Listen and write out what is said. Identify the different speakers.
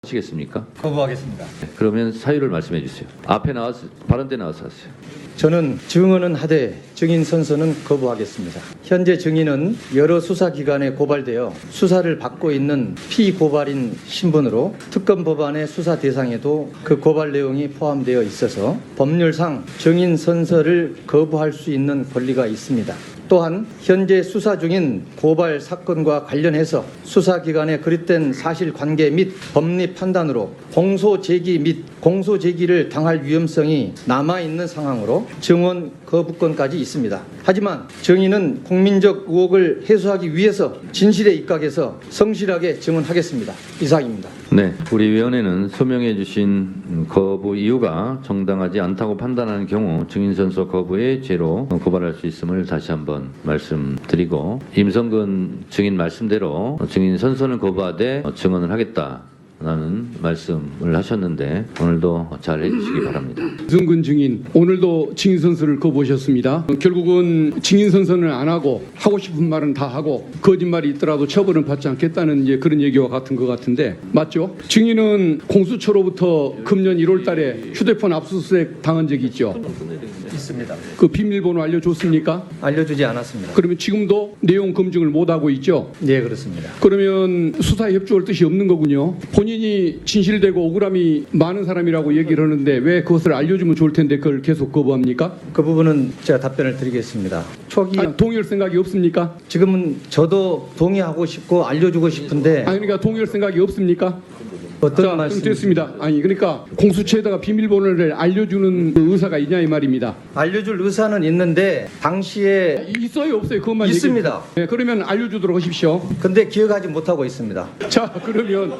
Speaker 1: 하시겠습니까?
Speaker 2: 거부하겠습니다.
Speaker 1: 그러면 사유를 말씀해 주세요. 앞에 나와서 발언 때 나와서 하세요.
Speaker 2: 저는 증언은 하되 증인 선서는 거부하겠습니다. 현재 증인은 여러 수사기관에 고발되어 수사를 받고 있는 피고발인 신분으로 특검 법안의 수사 대상에도 그 고발 내용이 포함되어 있어서 법률상 증인 선서를 거부할 수 있는 권리가 있습니다. 또한 현재 수사 중인 고발 사건과 관련해서 수사기관에 그릇된 사실관계 및 법리 판단으로 공소 제기 및 공소 제기를 당할 위험성이 남아있는 상황으로 증언 거부권까지 있습니다. 하지만 증인은 국민적 의혹을 해소하기 위해서 진실에 입각해서 성실하게 증언하겠습니다. 이상입니다.
Speaker 1: 네, 우리 위원회는 소명해 주신 거부 이유가 정당하지 않다고 판단하는 경우 증인 선서 거부의 죄로 고발할 수 있음을 다시 한번 말씀드리고, 임성근 증인 말씀대로 증인 선서는 거부하되 증언을 하겠다라는 말씀을 하셨는데 오늘도 잘 해주시기 바랍니다.
Speaker 3: 임성근 증인, 오늘도 증인 선서를 거부하셨습니다. 결국은 증인 선서는 안 하고 하고 싶은 말은 다 하고 거짓말이 있더라도 처벌은 받지 않겠다는 이제 그런 얘기와 같은 것 같은데 맞죠? 증인은 공수처로부터 금년 1월 달에 휴대폰 압수수색 당한 적이 있죠?
Speaker 2: 있습니다.
Speaker 3: 그 비밀번호 알려줬습니까?
Speaker 2: 알려주지 않았습니다.
Speaker 3: 그러면 지금도 내용 검증을 못하고 있죠?
Speaker 2: 네, 그렇습니다.
Speaker 3: 그러면 수사에 협조할 뜻이 없는 거군요. 본인이 진실되고 억울함이 많은 사람이라고 얘기를 하는데 왜 그것을 알려주면 좋을 텐데 그걸 계속 거부합니까?
Speaker 2: 그 부분은 제가 답변을 드리겠습니다. 초기
Speaker 3: 아니, 동의할 생각이 없습니까?
Speaker 2: 지금은 저도 동의하고 싶고 알려주고 싶은데
Speaker 3: 아니 그러니까 동의할 생각이 없습니까?
Speaker 2: 어떤
Speaker 3: 자,
Speaker 2: 말씀
Speaker 3: 됐습니다. 아니 그러니까 공수처에다가 비밀번호를 알려주는 그 의사가 있냐 이 말입니다.
Speaker 2: 알려줄 의사는 있는데 당시에
Speaker 3: 있어요 없어요? 그것만
Speaker 2: 있습니다.
Speaker 3: 얘기해 주세요. 네, 그러면 알려주도록 하십시오.
Speaker 2: 근데 기억하지 못하고 있습니다.
Speaker 3: 자 그러면